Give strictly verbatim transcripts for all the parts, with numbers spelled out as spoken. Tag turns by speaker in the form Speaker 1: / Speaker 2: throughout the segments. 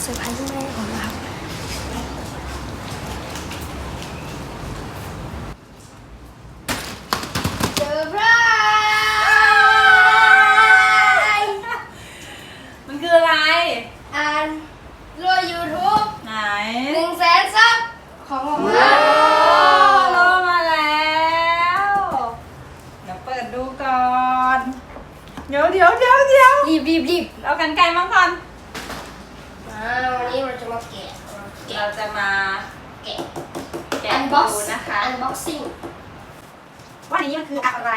Speaker 1: ซอร์ไพรส์แม่ผมนะครับเซอร์ไพรส์
Speaker 2: มันคืออะไร
Speaker 1: อ่านรวยยูทูบ
Speaker 2: ไหน
Speaker 1: หนึ่งแสนซับของผม
Speaker 2: ว้าวรอมาแล้วเดี๋ยวเปิดดูก่อนเดี๋ยวเดี๋ยวเดี๋ยวเดี๋ยว
Speaker 1: รีบรีบรีบ
Speaker 2: เอากันไกลมาก่อน
Speaker 1: อ่าวันนี้เราจะมาแกะ
Speaker 2: เราจะมา
Speaker 1: แกะ
Speaker 2: แกะ
Speaker 1: อันบ็อก
Speaker 2: ดู
Speaker 1: ซ์
Speaker 2: นะคะ
Speaker 1: อันบ็อกซิ่ง
Speaker 2: ว่านี้มันคืออะไร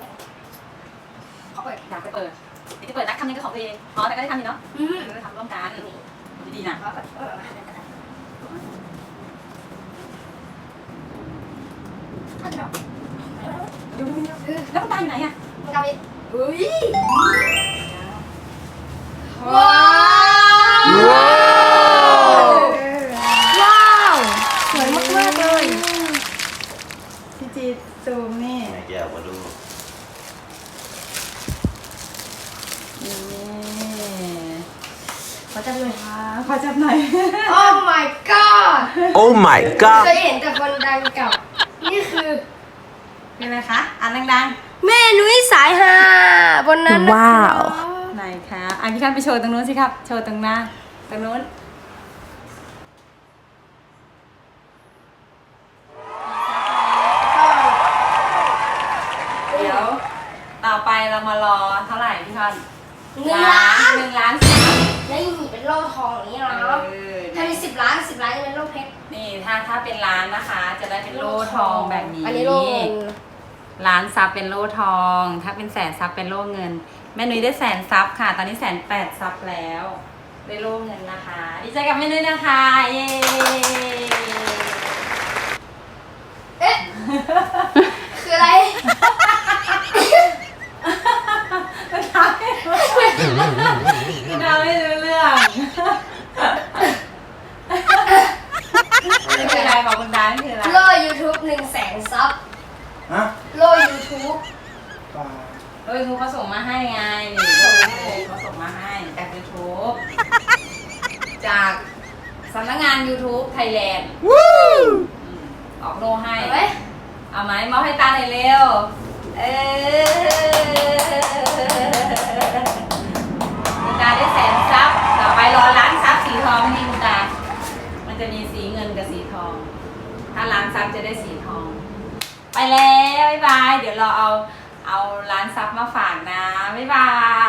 Speaker 1: เขาเปิด
Speaker 2: อยากไปเปิดเดี๋ยวจะเปิดนักทำนี่ก็ของตัวเองอ๋อแต่ก็ได้ทำนี่เนาะ
Speaker 1: อืม
Speaker 2: เราจะทำร่วมกันดีๆนะ
Speaker 1: เขาเปิดเออมาให้กันนะอันเดียว
Speaker 2: ดูแล้วมันตายอยู่ไหนอ่ะ
Speaker 1: มันกลับอีกอุ้ยว้าว
Speaker 3: ว้าวว้าวสวยมากมากเลยพี่จีซูมนี่
Speaker 4: แม่แก้วมาดู
Speaker 2: นี่
Speaker 1: ขอจับหน่อย
Speaker 2: อ่าขอจับหน่อย
Speaker 1: โอ้ my god
Speaker 3: Oh my
Speaker 1: เคยเห็นแต่คนดังเก่านี่คือ
Speaker 2: เป็นอะไรคะอ่านดัง
Speaker 1: แม่นุ้ยสายฮาบนนั้น
Speaker 3: ว้าว
Speaker 2: ๆไหนคะอ่ะพี่คันไปโชว์ตรงนู้นสิครับ โชว์ตรงหน้าตรงนู้นเดี๋ยวต่อไปเรามารอเท่าไหร่พี่คัน
Speaker 1: หนึ่งล้าน
Speaker 2: หนึ่งล้านสิบ
Speaker 1: แล้วยังมีเป็นโล่ทองอย่างนี้เนาะ
Speaker 2: เออ
Speaker 1: ถ้ามีสิบล้านสิบล้านจะเป็นโล่เพชร
Speaker 2: นี่ถ้าถ้าเป็นร้านนะคะ จะได้เป็นโล่ทองแบบนี้
Speaker 1: อันนี้โล่เงิน
Speaker 2: ล้านซับเป็นโล่ทอง ถ้าเป็นแสนซับเป็นโล่เงิน แม่นุ้ยได้แสนซับค่ะ ตอนนี้แสนแปดซับแล้วได้โล่เงินนะคะ ดีใจกับแม่นุ้ยนะคะ เย้
Speaker 1: เอ๊ะ คืออะไร
Speaker 2: มันทำให้มันทำให้รู้เรื่องนี่คืออะไรบอกคุณดานี่คืออะไร
Speaker 1: โล่ยูทูบหนึ่งแสนซับ
Speaker 4: ฮะ
Speaker 1: โล่ยูทูบ
Speaker 2: โดยทูเขาส่งมาให้ไงนี่โดยทูเขาส่งมาให้จาก YouTube จากสำนักงาน YouTube Thailand ออกโลให้
Speaker 1: เอาไหม
Speaker 2: เอาไหมมอบให้ตาหน่อยเร็ว เออคุณตาได้แสนซับ ต่อไปรอล้านซับสีทองนี่คุณตา มันจะมีสีเงินกับสีทอง ถ้าล้านซับจะได้สีทอง ไปแล้วบ๊ายบาย เดี๋ยวเราเอาเอาล้านซับมาฝากนะ บ๊ายบาย